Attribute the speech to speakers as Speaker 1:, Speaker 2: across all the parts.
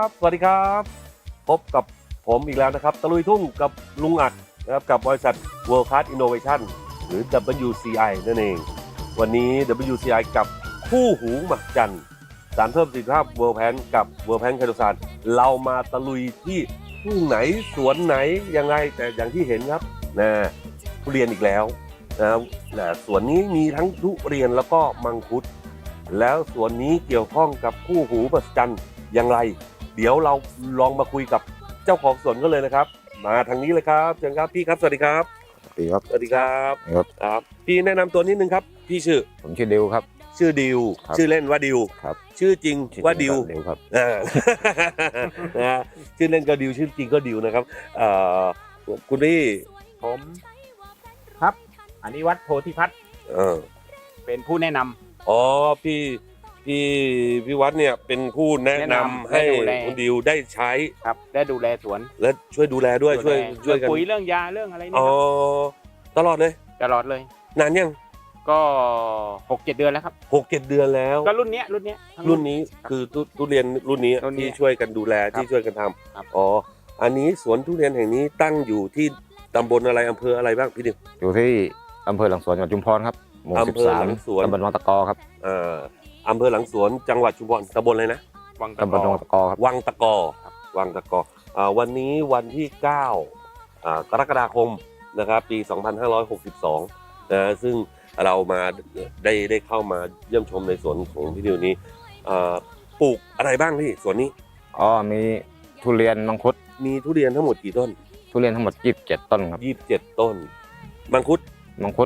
Speaker 1: ครับสวัสดีครับพบกับผมอีกแล้วนะครับตะลุยทุ่งกับลุงอัดนะครับกับบริษัท World Class Innovation หรือ WCI นั่นเองวันนี้ WCI กับคู่หูมหัศจรรย์สารเพิ่มประสิทธิภาพ World Pan กับ World Pan ไคโตซานเรามาตะลุยที่ทุ่งไหนสวนไหนยังไงแต่อย่างที่เห็นครับนะทุเรียนอีกแล้วนะสวนนี้มีทั้งทุเรียนแล้วก็มังคุดแล้วสวนนี้เกี่ยวข้องกับคู่หูมหัศจรรย์อย่างไรเดี๋ยวเราลองมาคุยกับเจ้าของสวนกันเลยนะครับมาทางนี้เลยครับเชิญครับพี่ครับสวัสดีครับ
Speaker 2: สวัสดีครับ
Speaker 1: สวัสดีครับ
Speaker 2: ครับ
Speaker 1: ครับพี่แนะนำตัวนิดนึงครับพี่ชื่อ
Speaker 2: ผมชื่อดิวครับ
Speaker 1: ชื่อดิว
Speaker 2: ครับ
Speaker 1: ชื่อเล่นว่าดิว
Speaker 2: ครับ
Speaker 1: ชื่อจริงว่าดิว
Speaker 2: ดิวครับ
Speaker 1: อ่า นะฮะชื่อเล่นก็ดิวชื่อจริงก็ดิวนะครับคุณพี่
Speaker 3: ผมครับอนิวัฒน์โพธิพัฒน์
Speaker 1: เออ
Speaker 3: เป็นผู้แนะนำ
Speaker 1: อ๋อพี่วัดเนี่ยเป็นผู้แนะนำให้
Speaker 3: แนะนำให้ดูแล
Speaker 1: คุณดิวได้ใช้
Speaker 3: ครับได้ดูแลสวน
Speaker 1: และช่วยดูแลด้วยช่วย
Speaker 3: เรื่อง
Speaker 1: กัน
Speaker 3: ปุ๋ยเรื่องยาเรื่องอะไรเนี่
Speaker 1: อ๋
Speaker 3: ย
Speaker 1: อ
Speaker 3: ครับ
Speaker 1: ตลอดเลย
Speaker 3: ตลอดเลย
Speaker 1: นานยัง
Speaker 3: ก็ 6-7 เดือนแล้วครับ
Speaker 1: 6-7 เดือนแล้ว
Speaker 3: ก็รุ่นเนี้ยทั้ง
Speaker 1: รุ่นนี้คือทุเรียนรุ่นนี้
Speaker 3: รุ่นนี้
Speaker 1: ที่ช่วยกันดูแล
Speaker 3: ครับ
Speaker 1: ที่ช่วยกันท
Speaker 3: ครับ
Speaker 1: ำอ๋ออันนี้สวนทุเรียนแห่งนี้ตั้งอยู่ที่ตำบลอะไรอำเภออะไรบ้างพี่ดิว
Speaker 2: อยู่ที่อำเภอหลังสวนจังหวัดชุมพรครับหมู่
Speaker 1: อำเภอหลังสวน
Speaker 2: 13ตำบลวังตะกอครับ
Speaker 1: อำเภอหลังสวนจังหวัดชุมพรตำบลอะไรนะ
Speaker 3: วังตะ
Speaker 2: ตำบล
Speaker 3: กอ
Speaker 2: วังตะกอครับ
Speaker 1: วังตะกอวังตะกอวันนี้วันที่9กรกฎาคมนะครับปี 2562นะซึ่งเรามาได้เข้ามาเยี่ยมชมในสวนของพี่ดิวนี้ปลูกอะไรบ้างพี่สวนนี้
Speaker 2: อ๋อมีทุเรียนมังคุด
Speaker 1: มีทุเรียนทั้งหมดกี่ต้น
Speaker 2: ทุเรียนทั้งหมด27ต้นครับ
Speaker 1: 27 ต้นมังคุด
Speaker 2: มังคุด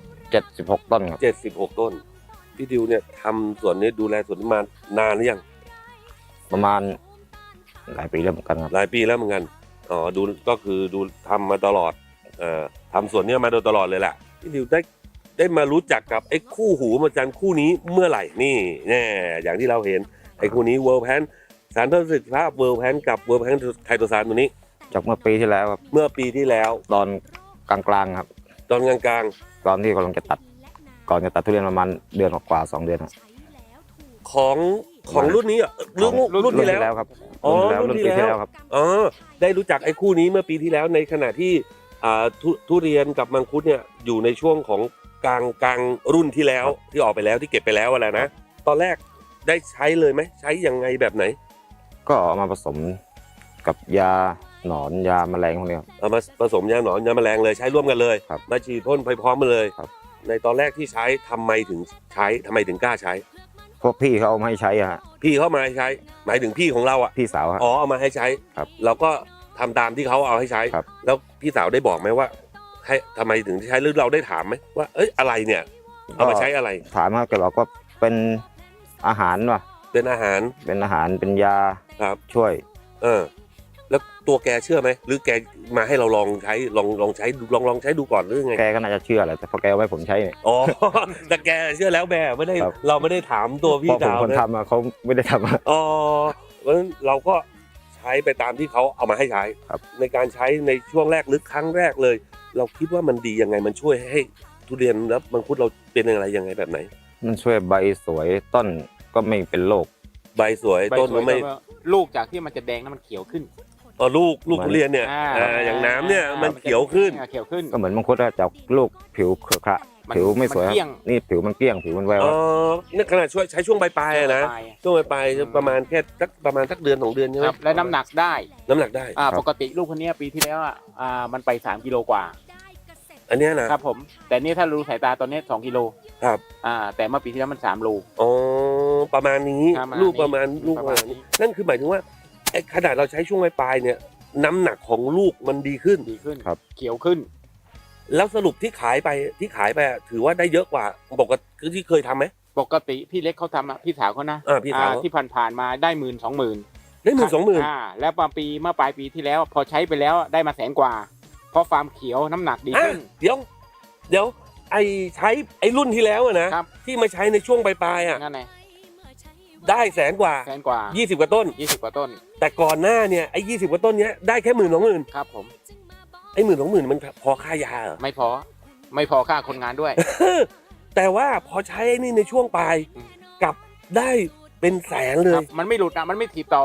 Speaker 2: 76ต้นครับ
Speaker 1: 76 ต้นพี่ดิวเนี่ยทำสวนนี้ดูแลสวนนี้มานานหรือยัง
Speaker 2: ประมาณหลายปีแล้วเหมือนกันครับ
Speaker 1: หลายปีแล้วเหมือนกันอ๋อดูก็คือดูทำมาตลอดทำสวนเนี้ยมาโดยตลอดเลยแหละพี่ดิวได้มารู้จักกับไอ้คู่หูมหัศจรรย์คู่นี้เมื่อไหร่นี่แน่อย่างที่เราเห็นไอ้คู่นี้เวิร์ลแพนสารเพิ่มประสิทธิภาพเวิร์ลแพนกับเวิร์ลแพนไคโตซานตัวนี้
Speaker 2: จากเมื่อปีที่แล้วครับ
Speaker 1: เมื่อปีที่แล้ว
Speaker 2: ตอนกลางๆครับ
Speaker 1: ตอนกลาง
Speaker 2: ตอนที่กำลังจะตัดก่อนจะตัดทุเรียนประมาณเดือนกว่าๆ2 เดือนครับ
Speaker 1: ๆของรุ่นนี้อ่ะรุ่นที่แล้ว
Speaker 2: ครับ
Speaker 1: อ๋อ
Speaker 2: รุ่นปีที่แล้วครับ
Speaker 1: อ๋อได้รู้จักไอ้คู่นี้เมื่อปีที่แล้วในขณะที่ทุเรียนกับมังคุดเนี่ยอยู่ในช่วงของกลางรุ่นที่แล้วที่ออกไปแล้วที่เก็บไปแล้วอะไรนะตอนแรกได้ใช้เลยไหมใช้ยังไงแบบไหน
Speaker 2: ก็เอามาผสมกับยาหนอนยาแมลงพวกนี้ครับ
Speaker 1: เอามาผสมยาหนอนยาแมลงเลยใช้ร่วมกันเลย
Speaker 2: ครับ
Speaker 1: มาฉีดพ่นไปพร้อมกันเลย
Speaker 2: ครับ
Speaker 1: ในตอนแรกที่ใช้ทำไมถึงกล้าใช้
Speaker 2: พวกพี่เขาเอามาให้ใช้อะฮะ
Speaker 1: พี่เขามาให้ใช้ หมายถึงพี่ของเราอ่ะ
Speaker 2: พี่สาวฮะ
Speaker 1: อ๋อเอามาให้ใช้
Speaker 2: ครับ
Speaker 1: เราก็ทำตามที่เขาเอาให้ใช้
Speaker 2: ครับ
Speaker 1: แล้วพี่สาวได้บอกไหมว่าให้ทำไมถึงใช้หรือเราได้ถามไหมว่าเอ้ยอะไรเนี่ยเอามาใช้อะไร
Speaker 2: ถามว่าแกบอกว่าเป็นอาหารว่ะ
Speaker 1: เป็นอาหาร
Speaker 2: เป็นอาหารเป็นยา
Speaker 1: ครับ
Speaker 2: ช่วย
Speaker 1: แล้วตัวแกเชื่อไหมหรือแกมาให้เราลองใช้ลองใช้ดูลองใช้ดูก่อนหรือไง
Speaker 2: แกก็น่าจะเชื่อแหละแต่พอแกเอาไว้ผมใช้เนี่ย
Speaker 1: อ๋อ แต่แกเชื่อแล้วแม่ไม่ได้
Speaker 2: ครับ
Speaker 1: เราไม่ได้ถามตัว
Speaker 2: เพ
Speaker 1: พี่
Speaker 2: ราะผม
Speaker 1: สาว
Speaker 2: คน
Speaker 1: นะ
Speaker 2: ทำอะเขาไม่ได้ทำอะ
Speaker 1: อ๋อเพราะฉะนั้นเราก็ใช้ไปตามที่เขาเอามาให้ใช้
Speaker 2: ครับ
Speaker 1: ในการใช้ในช่วงแรกหรือครั้งแรกเลย เราคิดว่ามันดียังไงมันช่วยให้ทุเรียนแล้วมังคุดเราเป็นอะไรยังไงแบบไหน
Speaker 2: มันช่วยใบสวยต้นก็ไม่เป็นโรค
Speaker 1: ใบสวย
Speaker 3: ใบ
Speaker 1: ต้น
Speaker 3: สว
Speaker 1: ก็
Speaker 3: ย
Speaker 1: ไม่
Speaker 3: ก็ลูกจากที่มันจะแดงแล้วมันเขียวขึ้น
Speaker 1: ลูกทุเรียนเนี่ยอย่างน้ำเนี่ยมันเขียวขึ้น
Speaker 3: เขียวขึ้น
Speaker 2: ก็เหมือนมังคุดอะจากลูกผิวเครือขระ
Speaker 3: มัน
Speaker 2: ผิวไม่สวย
Speaker 3: มันเกลี้ยง
Speaker 2: นี่ผิวมันเกลี้ยงผิวมันแวว
Speaker 1: อ๋อนี่ขนาดช่วยใช้ช่วงปลายๆอะนะ
Speaker 3: ปลาย
Speaker 1: ช่วงปลายๆประมาณแค่ประมาณสักเดือน2 เดือนใช่ไห
Speaker 3: ค
Speaker 1: ม
Speaker 3: รับและน้ำหนักได้
Speaker 1: น้ำหนักได้
Speaker 3: ปกติลูกคนเนี้ยปีที่แล้วมันไป3 กิโลกว่า
Speaker 1: อันเนี้ยนะครับ
Speaker 3: ผมแต่นี่ถ้ารู้สายตาตอนนี้2 กิโล
Speaker 1: ครับ
Speaker 3: แต่เมื่อปีที่แล้วมัน3 โล
Speaker 1: อ๋อประมาณนี้
Speaker 3: ประมาณนี้
Speaker 1: ลูกประมาณลูกประมาณ
Speaker 3: ประมาณนี้
Speaker 1: นี้นั่นคือหมายถึงว่าไอ้ขนาดเราใช้ช่วงปลายๆเนี่ยน้ำหนักของลูกมันดีขึ้น
Speaker 3: ดีขึ้นเขียวขึ้น
Speaker 1: แล้วสรุปที่ขายไปอะถือว่าได้เยอะกว่าปกติคือที่เคยทำไหม
Speaker 3: ปกติพี่เล็กเขาทำพี่สาวเขานะ
Speaker 1: พี่สาว
Speaker 3: ที่ผ่านๆมาได้10,000-20,000
Speaker 1: ได้10,000-20,000
Speaker 3: แล้วเมื่อปลายปีที่แล้ว พอใช้ไปแล้วได้มา100,000 กว่า เพราะฟาร์มเขียวน้ำหนักดีขึ้น
Speaker 1: เดี๋ยวไอ้ใช้ไอ้รุ่นที่แล้วอะนะครับ ที่มาใช้ในช่วงปลายๆอะ
Speaker 3: นั่นไง
Speaker 1: ได้100,000 กว่า
Speaker 3: 100,000 กว่า
Speaker 1: 20 กว่าต้น
Speaker 3: 20 กว่าต้น
Speaker 1: แต่ก่อนหน้าเนี่ยไอ้20 กว่าต้นเนี้ยได้แค่10,000-20,000
Speaker 3: ครับผม
Speaker 1: ไอ้10,000-20,000มันพอค่ายาเหรอ
Speaker 3: ไม่พอค่าคนงานด้วย
Speaker 1: แต่ว่าพอใช้ไอ้นี่ในช่วงปลาย
Speaker 3: อืม
Speaker 1: กลับได้เป็นแสนเล
Speaker 3: ครั
Speaker 1: ย
Speaker 3: บมันไม่หลุดมันไม่ถีบต่อ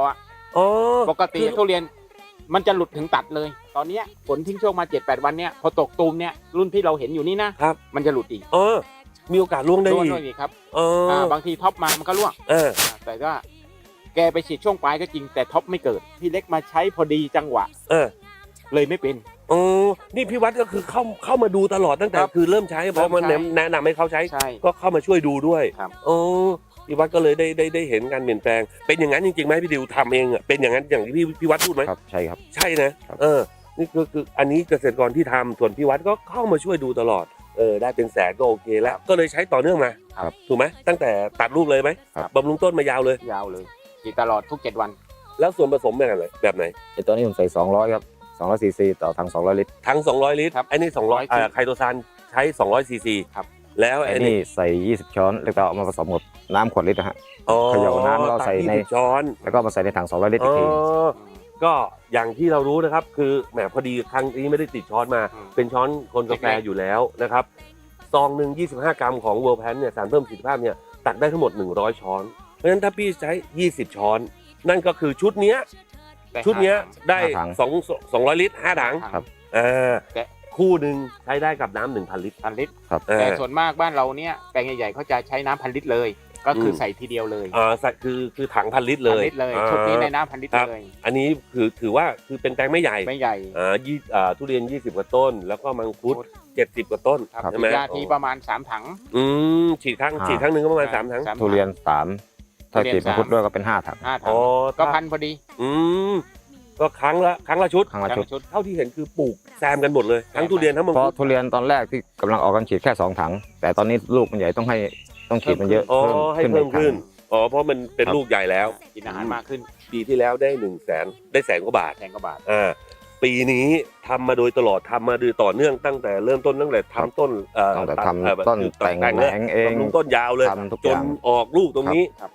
Speaker 1: อ๋อ
Speaker 3: ปกติทุเรียนมันจะหลุดถึงตัดเลย ตอนเนี้ยฝนทิ้งช่วงมา 7-8 วันเนี้ยพอตกตูมเนี่ยรุ่นที่เราเห็นอยู่นี่นะครับ มันจะหลุดอีก
Speaker 1: เออมีโอกาสล่วงได้
Speaker 3: ร่วง
Speaker 1: อีก
Speaker 3: ด้วยอีกครับ
Speaker 1: เออ
Speaker 3: บางทีท็อปมามันก็ร่วง แต่ว่าแกไปฉีดช่วงปลายก็จริงแต่ท็อปไม่เกิดพี่เล็กมาใช้พอดีจังหวะ
Speaker 1: เออ
Speaker 3: เลยไม่เป็น
Speaker 1: อ๋อนี่พี่วัดก็คือเข้ามาดูตลอดตั้งแต่
Speaker 3: ครับ
Speaker 1: คือเริ่มใช้เพราะมัน
Speaker 3: เริ่มใช้
Speaker 1: แนะนำให้เขาใช้
Speaker 3: ใช่
Speaker 1: ก็เข้ามาช่วยดูด้วย
Speaker 3: ครับ
Speaker 1: อ๋อพี่วัดก็เลยได้เห็นการเปลี่ยนแปลงเป็นอย่างนั้นจริงๆไหมพี่ดิวทำเองอ่ะเป็นอย่างนั้นอย่างที่พี่วัดพูดไหม
Speaker 2: ครับใช่ครับ
Speaker 1: ใช่นะครับ นี่คืออันนี้เกษตรกรที่ทำส่วนพี่วัดก็เข้ามาช่วยดูตลอดได้เป็นแสนก็โอเคแล้วก็เลยใช้ต่อเนื่องมา
Speaker 2: ครับ
Speaker 1: ถูกไหมตั้งแต่ตัดลูกเลยไหม
Speaker 2: ครับ
Speaker 1: บำรุงต้นมายาวเลย
Speaker 3: ยาวเลยฉีดตลอดทุก 7 วัน
Speaker 1: แล้วส่วนผสมแบบไหน
Speaker 2: ไอ้ตัวนี้ผมใส่200ครับ200ซีซีต่อถัง200ลิตร
Speaker 1: ทั้ง200 ลิตร
Speaker 3: ครับ
Speaker 1: ไอ้นี่200ไคโตซานใช้200 ซีซี
Speaker 3: ครับ
Speaker 1: แล้ว
Speaker 2: ไอ้
Speaker 1: ไอ้
Speaker 2: นี่
Speaker 1: นี่
Speaker 2: ใส่20ช้อนแล้วก็เอามาผสมกับน้ำขวดลิตรนะฮะ
Speaker 1: อ๋อ
Speaker 2: เขย่าน้ำแล้วใส่ใน
Speaker 1: ตัก20ช้อน
Speaker 2: แล้วก็มาใส่ในถัง200ลิตรอีกที
Speaker 1: ก็อย่างที่เรารู้นะครับ คือแหมพอดีครั้งนี้ไม่ได้ติดช้อนมา เป็นช้อนคนกาแฟอยู่แล้วนะครับซองหนึ่ง25 กรัมของ World Pan เนี่ยสารเพิ่มประสิทธิภาพเนี่ยตักได้ทั้งหมด100 ช้อน เพราะฉะนั้นถ้าพี่ใช้20 ช้อน นั่นก็คือชุดเนี้ยได้
Speaker 2: 5 ถัง
Speaker 1: 200 ลิตร 5 ถัง
Speaker 3: ครับ
Speaker 1: อ่า
Speaker 3: แต่
Speaker 1: คู่หนึ่งใช้ได้กับน้ำ1,000 ลิตร
Speaker 3: 1,000 ลิตร
Speaker 1: อ่า
Speaker 3: แต่ส่วนมากบ้านเราเนี่ยแปลงใหญ่ๆเขาจะใช้น้ำ1,000 ลิตรเลย ก็คือใส่ทีเดียวเลย
Speaker 1: คือถัง1,000 ลิตรเลย
Speaker 3: 1,000 ลิตรเลยชุดนี้ในน้ำ1,000 ลิตรเลย
Speaker 1: อันนี้ถือว่าคือเป็นแปลงไม่ใหญ่
Speaker 3: ไม่ใหญ่
Speaker 1: ทุเรียน20 กว่าต้น แล้วก็มังคุด70 กว่าต้น
Speaker 3: ครับ
Speaker 1: ใช่ไหม
Speaker 3: ยาทีประมาณ3 ถัง
Speaker 1: ฉีดครั้งหนึ่งก็ประมาณ3 ถัง
Speaker 3: 3
Speaker 2: ทุเรียน3ถ้า
Speaker 3: ทุเรียน
Speaker 2: กรีดมังคุดด้วยก็เป็น5ถัง
Speaker 3: 5 ถั
Speaker 1: อ๋
Speaker 3: ง
Speaker 1: อ
Speaker 3: ก็พันพอดี
Speaker 1: อืมก็ครั้งละชุด
Speaker 2: ครั้งละชุด
Speaker 3: ชุด
Speaker 1: เท่าที่เห็นคือปลูกแซมกันหมดเลย ทั้งทุเรียนทั้งมัง
Speaker 2: เพราะ
Speaker 1: คุด
Speaker 2: ทุเรียนตอนแรกที่กำลังออกกันฉีดแค่2ถัง แต่ตอนนี้ลูกมันใหญ่ต้องฉีดมันเยอะ
Speaker 1: อ๋อให้เพิ่มขึ้น
Speaker 2: อีก
Speaker 1: อ๋อเพราะมันเป็น
Speaker 2: ครับ
Speaker 1: ลูกใหญ่แล้ว
Speaker 3: กินอาหารมากขึ้น
Speaker 1: ปีที่แล้วได้100,000ได้100,000 กว่าบาท
Speaker 3: แสนกว่าบาท
Speaker 1: ปีนี้ทำมาโดยตลอดทำมาโดยต่อเนื่องตั้งแต่เริ่มต้นตั้งแต่ทำต้น
Speaker 2: ตั้งแต่
Speaker 1: ตัด
Speaker 2: ทำต้นแต่งแหนงเอง
Speaker 1: บำรุงต้นยาวเลย
Speaker 2: ทำทุก
Speaker 1: จ
Speaker 2: อน ย่าง
Speaker 1: ออกลูกตรงนี้
Speaker 3: ครับ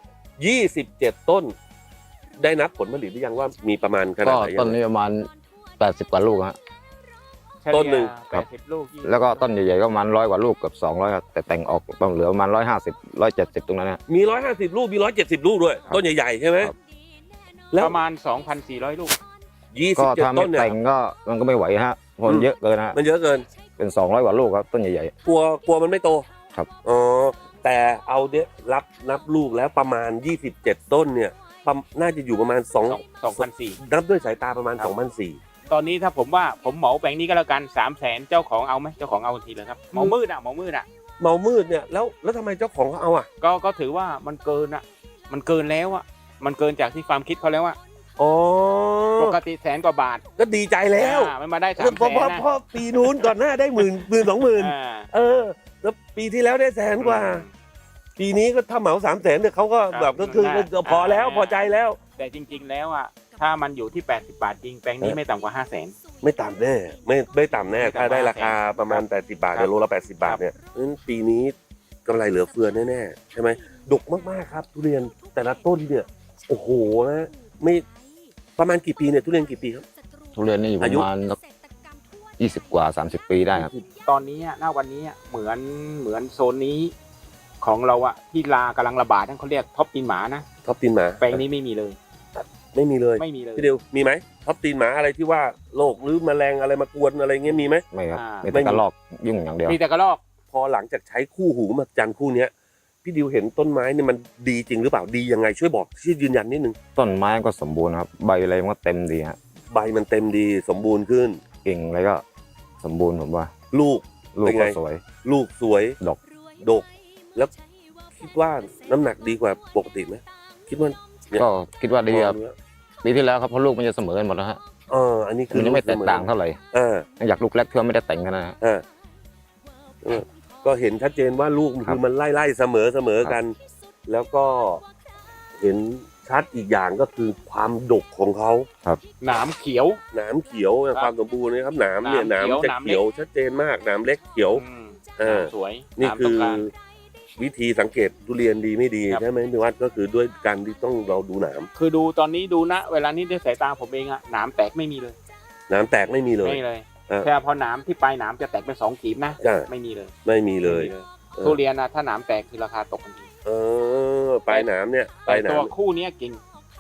Speaker 1: 27 ต้น ได้นับผลผลิตหรือยังว่ามีประมาณขนา
Speaker 2: ก็
Speaker 1: ดไหน
Speaker 2: ต้นนี้ประมาณ80กว่าลูกฮะ
Speaker 1: ต้นหนึ่ง
Speaker 3: เฉลี่ย80 ลูก20
Speaker 2: แล้วก็ต้นใหญ่ๆก็ประมาณ100กว่าลูกกับ200ครับแต่แต่งออกต้องเหลือประมาณ150 170ตรงนั้นนะ
Speaker 1: มี150 ลูกมี170 ลูกด้วย
Speaker 2: ครับ
Speaker 1: ต้นใหญ่ๆใช่ไหม
Speaker 2: ครับ
Speaker 1: แล้ว
Speaker 3: ประมาณ 2,400 ลูก
Speaker 2: ก็ถ้า
Speaker 1: 27
Speaker 2: ไม่
Speaker 1: ต้นเนี่ย
Speaker 2: แต่งก็มันก็ไม่ไหวฮะเพราะมันเยอะเกินฮะ
Speaker 1: มันเยอะเกิน
Speaker 2: เป็น200กว่าลูกครับต้นใหญ่
Speaker 1: กลัวมันไม่โต
Speaker 2: ครับ
Speaker 1: อ๋อแต่เอาเนี้ยนับลูกแล้วประมาณ27 ต้นเนี่ยน่าจะอยู่ประมาณ
Speaker 3: 2,400
Speaker 1: นับด้วยสายตาประมาณ
Speaker 3: ครับ
Speaker 1: 2,400
Speaker 3: ตอนนี้ถ้าผมว่าผมเหมาแปลงนี้ก็แล้วกัน 300,000 เจ้าของเอาไหมเจ้าของเอาทันทีเลยครับเหมามืดอ่ะ
Speaker 1: เมามืดเนี่ยแล้วทำไมเจ้าของเขาเอาอ่ะ
Speaker 3: ก็ถือว่ามันเกินอ่ะ มันเกินแล้วอ่ะ มันเกินจากที่ฟาร์มคิดเขาแล้วอ่ะ
Speaker 1: อ๋อ
Speaker 3: ปกติ100,000 กว่าบาท
Speaker 1: ก็ดีใจแล้ว
Speaker 3: มันมาได้
Speaker 1: เพราะ
Speaker 3: 300,000 นะ
Speaker 1: เพราะปีนู้นก่อนหน้าได้10,000 20,000
Speaker 3: อ่า
Speaker 1: แล้วปีที่แล้วได้100,000 กว่า ปีนี้ก็ถ้าเหมา300,000เนี่ยเขาก็
Speaker 3: ครับ
Speaker 1: แบบก็คือ
Speaker 3: น่า
Speaker 1: พอแล้ว
Speaker 3: อ่า
Speaker 1: พอใจแล้ว
Speaker 3: แต่จริง ๆ แล้วอ่ะ ถ้ามันอยู่ที่80 บาทจริงแปลงนี้ไม่ต่ำกว่า 500,000
Speaker 1: ไม่ต่ำแน่ไม่ต่ำแน่
Speaker 3: ไม่ต่ำ
Speaker 1: ถ้าได้ราคาประมาณ 80 บาท
Speaker 3: ครับ
Speaker 1: เดี๋ยวโลละ80 บาทเนี่ยเพราะฉะนั้นปีนี้กำไรเหลือเฟือแน่ๆใช่ไหมดกมากๆครับ ทุเรียนแต่ละต้นเนี่ยโอ้โหนะไม่ประมาณกี่ปีเนี่ยทุเรียนกี่ปีครับ
Speaker 2: ๆทุเรียนนี่อยู่ประมาณสัก20กว่า30 ปีได้ครับ
Speaker 3: ตอนนี้อะหน้าวันนี้อะเหมือนโซนนี้ของเราอะที่ลากำลังระบาดนั่นเขาเรียกท็อปตีนหมานะ
Speaker 1: ท็อปตีนหมา
Speaker 3: แปลงนี้ไม่มีเลย
Speaker 1: ไม่มีเลย
Speaker 3: ไม่มีเลย
Speaker 1: พี่เดียวมีไหมท็อปตีนหมาอะไรที่ว่าโรคหรือแมลงอะไรมากวนอะไรเงี้ยมีไหม
Speaker 2: ไม่ครับ
Speaker 3: อ่า
Speaker 2: มีแต่กระรอกยุ่งอย่างเดียว
Speaker 3: มีแต่กระรอก
Speaker 1: พอหลังจากใช้คู่หูมาจันคู่เนี้ยพี่ดิวเห็นต้นไม้เนี่ยมันดีจริงหรือเปล่าดียังไงช่วยบอกช่วยยืนยันนิดนึง
Speaker 2: ต้นไม้ก็สมบูรณ์ครับใบอะไรมันก็เต็มดีฮะ
Speaker 1: ใบมันเต็มดีสมบูรณ์ขึ้น
Speaker 2: กิ่งอะไรก็สมบูรณ์ผมว่า
Speaker 1: ลูก
Speaker 2: ลูก
Speaker 1: เป็นไง
Speaker 2: ก็สวย
Speaker 1: ลูกสวย
Speaker 2: ดก
Speaker 1: แล้วคิดว่าน้ำหนักดีกว่าปกติไหมคิดว่าเนี่ย
Speaker 2: ก็คิดว่าดีครับ
Speaker 1: มองแล้ว
Speaker 2: ปีที่แล้วครับเพราะลูกมันจะเสมอกันหมดแล้วฮะ
Speaker 1: อันนี้คือ
Speaker 2: มันยังไม่แตกต่างเท่าไหร่
Speaker 1: เออ
Speaker 2: อยากลูกแรกเพื่อไม่ได้แต่งกันนะฮะ
Speaker 1: เออก็เห็นชัดเจนว่าลูกมัน
Speaker 2: ครับ
Speaker 1: คือมันไล่เสมอกัน แล้วก็เห็นชัดอีกอย่างก็คือความดกของเขา
Speaker 3: หนามเขียว
Speaker 1: หนามเขียว
Speaker 3: ครับ
Speaker 1: ความสมบูรณ์นะครับหนามเนี่ยห
Speaker 3: ห
Speaker 1: นาน
Speaker 3: าม ม
Speaker 1: จะ
Speaker 3: เขียว
Speaker 1: เขียวชัดเจนมากหนามเล็กเขียว
Speaker 3: อืม
Speaker 1: เออ
Speaker 3: สวย
Speaker 1: นี่
Speaker 3: หาม
Speaker 1: คื
Speaker 3: ต้
Speaker 1: อ
Speaker 3: งการ
Speaker 1: วิธีสังเกตทุเรียนดีไม่ดี
Speaker 3: ครับ
Speaker 1: ใช่ไหมพี่วัดก็คือด้วยการที่ต้องเราดูหนาม
Speaker 3: คือดูตอนนี้ดูนะ เวลานี้ด้วยสายตาผมเองอะหนามแตกไม่มีเลย
Speaker 1: หนามแตกไม่มีเลย
Speaker 3: ไม่เลย
Speaker 1: เออ
Speaker 3: แค่พอหนามที่ปลายหนามจะแตกเป็น2 กีบนะ
Speaker 1: ใช่
Speaker 3: ไม่มีเลย
Speaker 1: ไม่มีเลย
Speaker 3: ไม่มีทุเรียนนะถ้าหนามแตกคือราคาตกทันที
Speaker 1: ปลายหนามเนี่ยป
Speaker 3: แต่
Speaker 1: ลายหนา
Speaker 3: ตัว
Speaker 1: ม
Speaker 3: คู่เนี้ยกิ่ง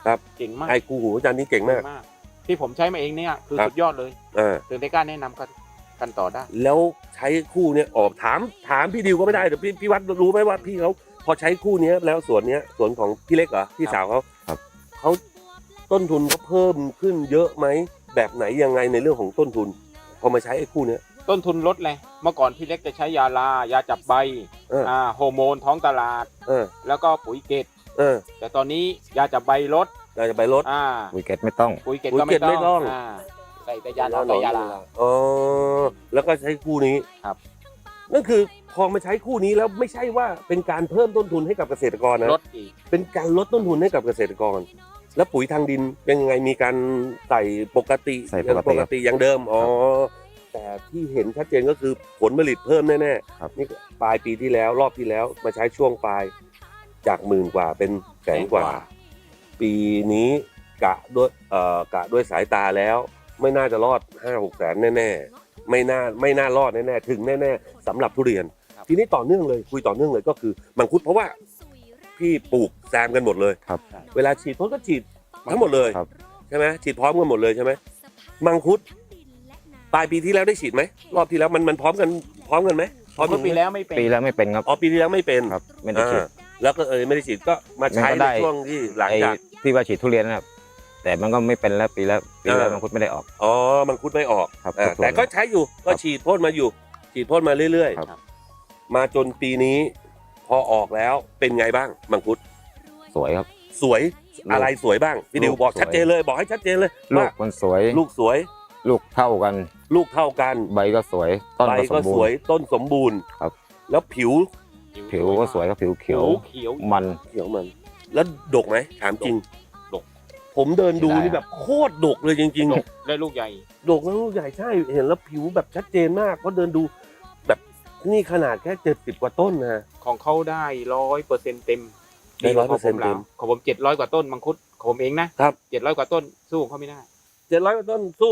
Speaker 1: ครับ
Speaker 3: เก่งมาก
Speaker 1: ไอ้คู่หูอาจารย์นี่เก่งมาก
Speaker 3: ที่ผมใช้มาเองเนี่ยคือ
Speaker 1: ครับ
Speaker 3: สุดยอดเลย ถึงได้กล้าแนะนำกันต่อได้
Speaker 1: แล้วใช้คู่เนี้ยออกถามพี่ดิวก็ไม่ได้แต่พี่วัดรู้ไหมว่าพี่เขาพอใช้คู่เนี้ยแล้วสวนของพี่เล็กเหรอพี่สาวเขา
Speaker 2: ครับ
Speaker 1: เขาต้นทุนเขาเพิ่มขึ้นเยอะไหมแบบไหนยังไงในเรื่องของต้นทุน พอมาใช้ไอ้คู่เนี้ย
Speaker 3: ต้นทุนลดเลยเมื่อก่อนพี่เล็กจะใช้ยาลายาจับใบ โฮอร์โมนท้องตลาด แล้วก็ปุ๋ยเกตแต่ตอนนี้ยาจับใบลด
Speaker 1: เราจะไปลด
Speaker 2: ปุ๋ยเกตไม่ต้อง
Speaker 3: ปุ๋ยเกต
Speaker 1: ปุ๋ย
Speaker 3: ก็
Speaker 1: เกตไม่
Speaker 3: ไม่
Speaker 1: ต้
Speaker 3: ต้
Speaker 1: อ
Speaker 3: อง งใส่แต่ยาหนอนกับยาลา
Speaker 1: อ๋อแล้วก็ใช้คู่นี้
Speaker 3: ครับ
Speaker 1: นั่นคือพอมาใช้คู่นี้แล้วไม่ใช่ว่าเป็นการเพิ่มต้นทุนให้กับเกษตรกรนะ
Speaker 3: ลดอีก
Speaker 1: เป็นการลดต้นทุนให้กับเกษตรกร แล้วปุ๋ยทางดินเป็นยังไงมีการใส่ปกติ
Speaker 2: ใส่ปกติ
Speaker 1: อย่างเดิมอ๋อแต่ที่เห็นชัดเจนก็คือผลผลิตเพิ่มแน่
Speaker 2: ครับ
Speaker 1: ๆนี่ปลายปีที่แล้วรอบที่แล้วมาใช้ช่วงปลายจาก10,000 กว่าเป็นแสนกว่า ปีนี้กะด้วยสายตาแล้ว ไม่น่าจะรอด 5-6 แสนแน่ๆไม่น่ารอดแน่ๆถึงแน่ๆสำหรับทุเรียน ทีนี้ต่อเนื่องเลยคุยต่อเนื่องเลยก็คือมังคุดเพราะว่าพี่ปลูกแซมกันหมดเลย
Speaker 2: ครับ
Speaker 1: เวลาฉีดพ่นก็ฉีดทั้งหมดเลย
Speaker 2: ครับ
Speaker 1: ใช่ไหมฉีดพร้อมกันหมดเลยใช่ไหมมังคุดปลายปีที่แล้วได้ฉีดไหมรอบที่แล้วมันพร้อมกันไหมพร้อม
Speaker 3: เมื่อปีแล้วไม่เป็น
Speaker 2: ปีแล้วไม่เป็นครับ
Speaker 1: อ๋อปีที่แล้วไม่เป็น
Speaker 2: ครับไม่ได้ฉีด
Speaker 1: แล้วก็ไม่ได้ฉีดก็มาใช้
Speaker 2: มันก็
Speaker 1: ใน
Speaker 2: ได้
Speaker 1: ช่วงที่หลัง
Speaker 2: ไอ้
Speaker 1: จาก
Speaker 2: ที่ว่าฉีดทุเรียนนะครับแต่มันก็ไม่เป็นแล้วปีแล้ว
Speaker 1: อ่า
Speaker 2: มังคุดไม่ได้ออก
Speaker 1: อ๋อมังคุดไม่ออก
Speaker 2: ครับ
Speaker 1: แต่ก็ใช้อยู่ก็ฉีดพ่นมาอยู่ ฉีดพ่นมาเรื่อย
Speaker 2: ครับ
Speaker 1: ๆมาจนปีนี้พอออกแล้วเป็นไงบ้างมังคุด
Speaker 2: สวยครับ
Speaker 1: สวยอะไรสวยบ้างพี่ดิว
Speaker 2: ลูก
Speaker 1: บอก
Speaker 2: สวย
Speaker 1: ชัดเจนเลยบอกให้ชัดเจนเลย
Speaker 2: ลู
Speaker 1: ว่าก
Speaker 2: มันสวย
Speaker 1: ลูกสวย
Speaker 2: ลูกเท่ากัน
Speaker 1: ลูกเท่ากัน
Speaker 2: ใบก็สวยต้น
Speaker 1: ใบ
Speaker 2: ก็ส
Speaker 1: ก็
Speaker 2: มบู
Speaker 1: สวย
Speaker 2: รณ์
Speaker 1: ต้นสมบูรณ์
Speaker 2: ครับ
Speaker 1: แล้วผิว
Speaker 2: ผิวก็สวยครับผิวเขียว
Speaker 3: เขียว
Speaker 2: มัน
Speaker 1: เขียวมัน แล้วดกไหมถามจริง
Speaker 3: ดก
Speaker 1: ผมเดินดู
Speaker 2: ได้
Speaker 1: นี่แบบโคตรดกเลยจริง
Speaker 3: ดกได้ลูกใหญ่
Speaker 1: ๆดกแล้วลูกใหญ่ใช่เห็นแล้วผิวแบบชัดเจนมากเพราะเดินดูแบบนี่ขนาดแค่70 กว่าต้นนะ
Speaker 3: ของเขาได้100%เต็ม
Speaker 1: ได้
Speaker 3: กว่าของผม
Speaker 1: 100%เต็ม
Speaker 3: ของผม700 กว่าต้นมังคุดของผมเองนะครับ 700 กว่าต้นสู้ของเขาไม่ได้
Speaker 1: 700 กว่าต้นสู้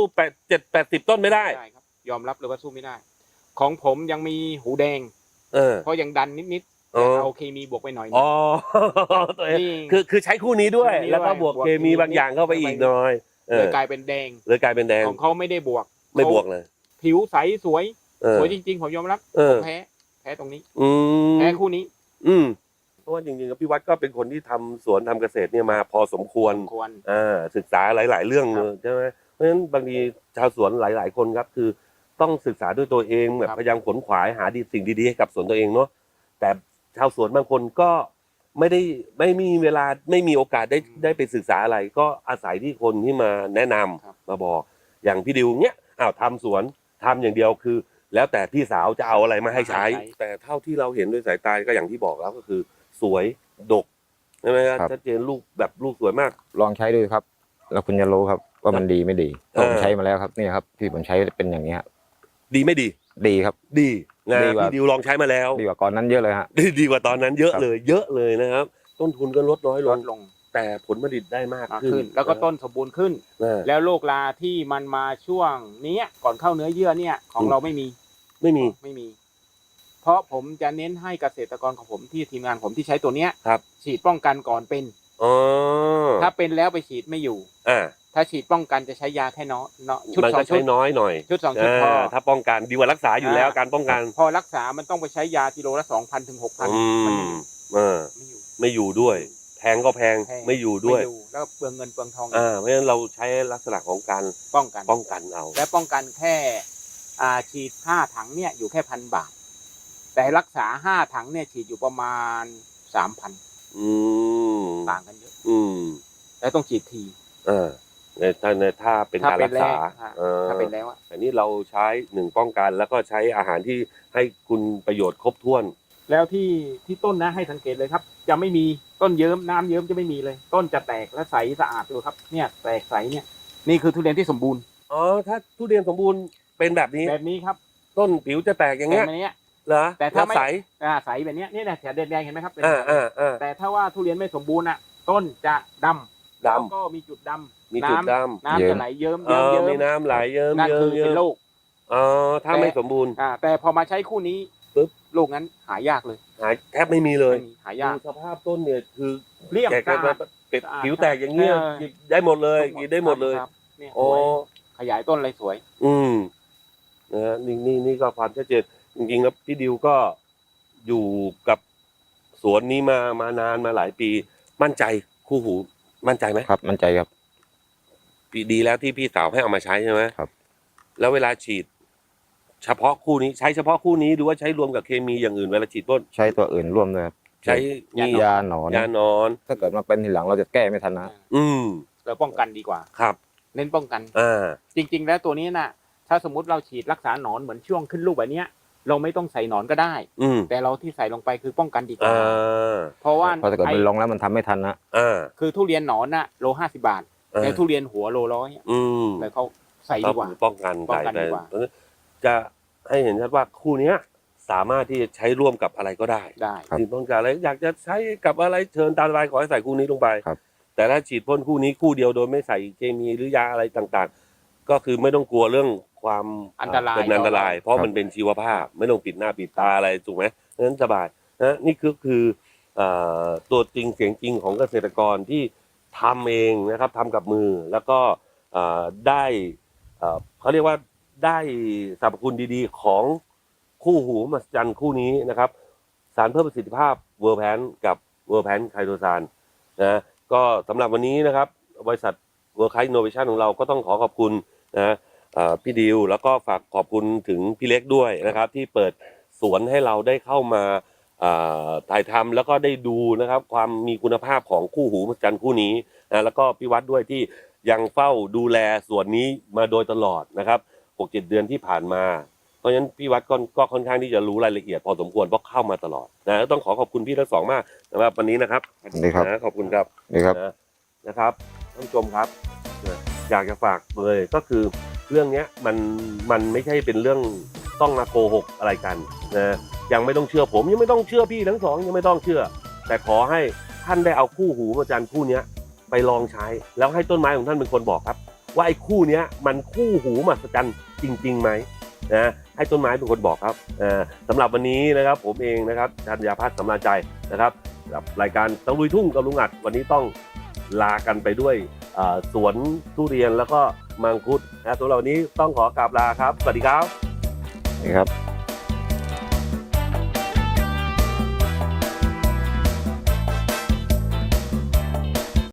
Speaker 1: 80 ต้นไม่ได้
Speaker 3: ไม่ได้ครับยอมรับเลยว่าสู้ไม่ได้ ของผมยังมีหูแดง เพราะยังดันนิดๆ
Speaker 1: อ๋
Speaker 3: แต่
Speaker 1: อ
Speaker 3: เอาเคมีบวกไปหน่อย
Speaker 1: อ๋อตัวเอง
Speaker 3: นี่
Speaker 1: คือใช้คู่นี้ด้วย
Speaker 3: คู่นี้
Speaker 1: แล้วก็
Speaker 3: ด้วย
Speaker 1: บวก
Speaker 3: บวก
Speaker 1: เคมี
Speaker 3: เคมี
Speaker 1: บางอย่างเข้าไปอีกหน่อย
Speaker 3: เลยกลายเป็นแดง
Speaker 1: เลยกลายเป็นแดง
Speaker 3: ของเขาไม่ได้บวก
Speaker 1: ไม่บวกเลย
Speaker 3: ผิวใสสวย
Speaker 1: เออ
Speaker 3: สวยจริงๆผมยอมรับ
Speaker 1: เออ
Speaker 3: ผมแพ้ตรงนี้
Speaker 1: อืม
Speaker 3: แพ้คู่นี้
Speaker 1: เพราะว่าจริงๆกับพี่วัดก็เป็นคนที่ทำสวนทำเกษตรเนี่ยมาพอสมควร
Speaker 3: ควร
Speaker 1: ศึกษาหลาย ๆ เรื่องเลยใช่ไหมเพราะฉะนั้นบางทีชาวสวนหลาย ๆ คนครับคือต้องศึกษาด้วยตัวเองแบบพยายามขวนขวายหาสิ่งดีๆให้กับสวนตัวเองเนาะแต่ชาวสวนบางคนก็ไม่มีเวลาไม่มีโอกาสได้ไปศึกษาอะไร ก็อาศัยที่คนที่มาแนะนำมาบอกอย่างพี่ดิวเนี้ยทำสวนทำอย่างเดียวคือ แล้วแต่พี่สาวจะเอาอะไรมาให้ใช้ แต่เท่าที่เราเห็นด้วยสายตาก็อย่างที่บอกแล้วก็คือ สวยดกใช่ไหมครับ
Speaker 2: ครับ
Speaker 1: ชัดเจนลูกสวยมาก
Speaker 2: ลองใช้ดูครับ แล้วคุณจะรู้ครับว่ามันดีไม่ดี
Speaker 1: เออ
Speaker 2: ผมใช้มาแล้วครับนี่ครับที่ผมใช้เป็นอย่างนี้ครับ
Speaker 1: ดีไม่ดี
Speaker 2: ดีครับ
Speaker 1: ดีนะ
Speaker 2: ดีกว่า
Speaker 1: พี่ดิวลองใช้มาแล้ว
Speaker 2: ดีกว่าก่อนนั้นเยอะเลยฮะ
Speaker 1: ดีกว่าตอนนั้นเยอะ
Speaker 2: ครับ
Speaker 1: เลยเยอะเลยนะครับ ต้นทุนก็ลดน้อยล
Speaker 3: ล
Speaker 1: ง
Speaker 3: ดลง
Speaker 1: แต่ผลผลิตได้มาก
Speaker 3: มาก
Speaker 1: ขึ้
Speaker 3: ขึ้
Speaker 1: น
Speaker 3: น แล้วก็ต้นสมบูรณ์ขึ้น
Speaker 1: นะ
Speaker 3: แล้วโรคราที่มันมาช่วงนี้ก่อนเข้าเนื้อเยื่อเนี่ยของเราไม่มี
Speaker 1: ไม่มี
Speaker 3: เพราะผมจะเน้นให้เกษตรกรของผมที่ทีมงานผมที่ใช้ตัวเนี้ย
Speaker 1: ครับ
Speaker 3: ฉีดป้องกันก่อนเป็น
Speaker 1: อ๋อ
Speaker 3: ถ้าเป็นแล้วไปฉีดไม่อยู่
Speaker 1: อ่า
Speaker 3: ถ้าฉีดป้องกันจะใช้ยาแค่น้อยชุด
Speaker 1: มัน
Speaker 3: สอ
Speaker 1: ก็
Speaker 3: งชุ
Speaker 1: ใช้
Speaker 3: ด
Speaker 1: น้อยหน่อย
Speaker 3: ชุดสองชุดพอ
Speaker 1: ถ้าป้องกันดีกว่ารักษาอยู่แล้วการป้องกัน
Speaker 3: พอรักษามันต้องไปใช้ยากิโลละ2,000 ถึง 6,000
Speaker 1: อื
Speaker 3: มัน
Speaker 1: มอ่า
Speaker 3: ไม่อยู่
Speaker 1: ไม่อยู่ด้วย แพงก็แพง
Speaker 3: แพง
Speaker 1: ไม่อยู่ด้วย
Speaker 3: ไม่อยู่แล้วเปลืองเงินเปลืองทอง
Speaker 1: เพราะฉะนั้นเราใช้ลักษณะของการ
Speaker 3: ป้องกัน
Speaker 1: ป้องกันเอา
Speaker 3: และป้องกันแค่ฉีด5 ถังเนี่ยอยู่แค่1,000 บาท แต่รักษา5 ถังเนี่ยฉีดอยู่ประมาณ 3,000
Speaker 1: อืม
Speaker 3: ต่างกันเยอะ
Speaker 1: อืม
Speaker 3: แล้วต้องฉีดที
Speaker 1: ถ้าเป็นการรักษา
Speaker 3: ถ้าเป็นแล้วอะ
Speaker 1: อันนี้เราใช้1ป้องกันแล้วก็ใช้อาหารที่ให้คุณประโยชน์ครบถ้วน
Speaker 3: แล้วที่ต้นนะให้สังเกตเลยครับ จะไม่มีต้นเยิ้มน้ำเยิ้มจะไม่มีเลย ต้นจะแตกและใสสะอาดดูครับเนี่ยแตกใสเนี่ยนี่คือทุเรียนที่สมบูรณ์
Speaker 1: อ๋อถ้าทุเรียนสมบูรณ์เป็นแบบนี้
Speaker 3: แบบนี้ครับ
Speaker 1: ต้นผิวจะแตกอย่างเงี้ย
Speaker 3: แบบนี้
Speaker 1: เหรอ
Speaker 3: แต่ถ้าไม่
Speaker 1: แล้วใส
Speaker 3: ใสแบบเนี้ยนี่แหละแถวแดงๆเห็นไหมครับเป็น
Speaker 1: อ่า
Speaker 3: แต่ถ้าว่าทุเรียนไม่สมบูรณ์อ่ะ ต้นจะดำแล้วก็มีจุดดำ
Speaker 1: มีจุดด
Speaker 3: น้ำจะไหลเยิ้ม
Speaker 1: ำ
Speaker 3: เยิ้ม
Speaker 1: มีน้ำไหลเยิ้ม
Speaker 3: นั่น
Speaker 1: เยิ้
Speaker 3: คื
Speaker 1: ม
Speaker 3: อ
Speaker 1: เยิ้
Speaker 3: เป็น
Speaker 1: ม
Speaker 3: โรค
Speaker 1: อ๋อถ้าไม่สมบูรณ์
Speaker 3: แต่พอมาใช้คู่นี้
Speaker 1: ปึ๊บ
Speaker 3: โรคนั้นหายากเลย
Speaker 1: หายแทบไม่มีเลย
Speaker 3: ไม่มีหายาก
Speaker 1: ดูสภาพต้นเนี่ยคือ
Speaker 3: เรียบ
Speaker 1: แก
Speaker 3: สะอาด
Speaker 1: เป็ดผิวแตกอย่างเงี้ยกินได้หมดเลยกินได้หมดเลย
Speaker 3: ครับเนี่ย
Speaker 1: โอ้
Speaker 3: ขยายต้นอะไรสวย
Speaker 1: นะฮะนี่ก็ความชัดเจนจริงๆแล้วพี่ดิวก็อยู่กับสวนนี้มานานมาหลายปีมั่นใจคู่หูมั่นใจไหม
Speaker 2: ครับมั่นใจครับ
Speaker 1: ดีแล้วที่พี่สาวให้เอามาใช้ใช่ไหม
Speaker 2: ครับ
Speaker 1: แล้วเวลาฉีด เฉพาะคู่นี้ใช้เฉพาะคู่นี้หรือว่าใช้รวมกับเคมีอย่างอื่นเวลาฉีดพ่น
Speaker 2: ใช้ตัวอื่นร่วมด้วยครับ
Speaker 1: ใช้นี่
Speaker 2: ยาหนอน
Speaker 1: ยานอน
Speaker 2: ถ้าเกิดมาเป็นทีหลังเราจะแก้ไม่ทันนะ
Speaker 1: อืม
Speaker 3: เราป้องกันดีกว่า
Speaker 1: ครับ
Speaker 3: เน้นป้องกัน
Speaker 1: า
Speaker 3: จริง ๆ แล้วตัวนี้น่ะ ถ้าสมมติเราฉีดรักษาหนอนเหมือนช่วงขึ้นลูกแบบเนี้ย เราไม่ต้องใส่หนอนก็ได้
Speaker 1: อืม
Speaker 3: แต่เราที่ใส่ลงไปคือป้องกันดีกว่า
Speaker 1: อ่า
Speaker 3: เพราะว่า
Speaker 2: เพราะถ้าเกิดมันลงแล้วมันทำไม่ทันนะ
Speaker 3: คือทุเรียนหนอนน่ะโล50 บาทแต่ทุเรียนหัวโล100
Speaker 1: อืม
Speaker 3: เลยเขาใส่ดีกว่า
Speaker 1: ป้องกัน
Speaker 3: ป้องกัน
Speaker 1: ใส่
Speaker 3: ดีกว่า
Speaker 1: ไปจะให้เห็นชัดว่าคู่เนี้ยสามารถที่จะใช้ร่วมกับอะไรก็ได้
Speaker 3: ได้
Speaker 2: ครับ
Speaker 1: ฉีดพ่นกับอะไรอยากจะใช้กับอะไรเชิญตามสบายขอให้ใส่คู่นี้ลงไป
Speaker 2: ครับ
Speaker 1: แต่ถ้าฉีดพ่นคู่นี้คู่เดียวโดยไม่ใส่เคมีหรือยาอะไรต่างๆ ก็คือไม่ต้องกลัวเรื่องความ
Speaker 3: อันตราย
Speaker 1: เป็นอันตราย เพราะมันเป็นชีวภาพไม่ต้องปิดหน้าปิดตาอะไรถูกไหมนั้นสบายนะนี่คือตัวจริงเสียงจริงของเกษตรกรที่ทำเองนะครับทำกับมือแล้วก็ได้เขาเรียกว่าได้สรรพคุณดีๆของคู่หูมหัศจรรย์คู่นี้นะครับ สารเพิ่มประสิทธิภาพเวอร์แพนกับเวอร์แพนไคโตซานนะก็สำหรับวันนี้นะครับบริษัทเวิร์คไคอินโนเวชันของเราก็ต้องขอขอบคุณนะพี่ดิวแล้วก็ฝากขอบคุณถึงพี่เล็กด้วยนะครับ ที่เปิดสวนให้เราได้เข้ามาถ่ายทำแล้วก็ได้ดูนะครับ ความมีคุณภาพของคู่หูมหัศจรรย์คู่นี้นะแล้วก็พี่วัดด้วยที่ยังเฝ้าดูแลสวนนี้มาโดยตลอดนะครับ 6-7 เดือนที่ผ่านมา เพราะฉะนั้นพี่วัดก็ค่อนข้างที่จะรู้รายละเอียดพอสมควรเพราะเข้ามาตลอดนะต้องขอบคุณพี่ทั้งสองมากสำหรับวันนี้นะครับ
Speaker 2: ดีครับ
Speaker 1: นะขอบคุณครับ
Speaker 2: นี่ครับ
Speaker 1: นะครับท่านผู้ชมครับอยากจะฝากเลยก็คือเรื่องเนี้ยมันไม่ใช่เป็นเรื่องต้องมาโกหกอะไรกันนะยังไม่ต้องเชื่อผมยังไม่ต้องเชื่อพี่ทั้งสองยังไม่ต้องเชื่อ แต่ขอให้ท่านได้เอาคู่หูมหัศจรรย์คู่เนี้ยไปลองใช้ แล้วให้ต้นไม้ของท่านเป็นคนบอกครับ ว่าไอ้คู่เนี้ยมันคู่หูมหัศจรรย์จริงๆไหมนะให้ต้นไม้เป็นคนบอกครับสำหรับวันนี้นะครับผมเองนะครับธัญพัฒน์สำราญใจนะครับกับรายการตะลุยทุ่งกับลุงอัดวันนี้ต้องลากันไปด้วยสวนทุเรียนแล้วก็มังคุดนะสำหรับวันนี้ต้องขอกราบลาครับสวัสดีครับ
Speaker 2: นี่ครับ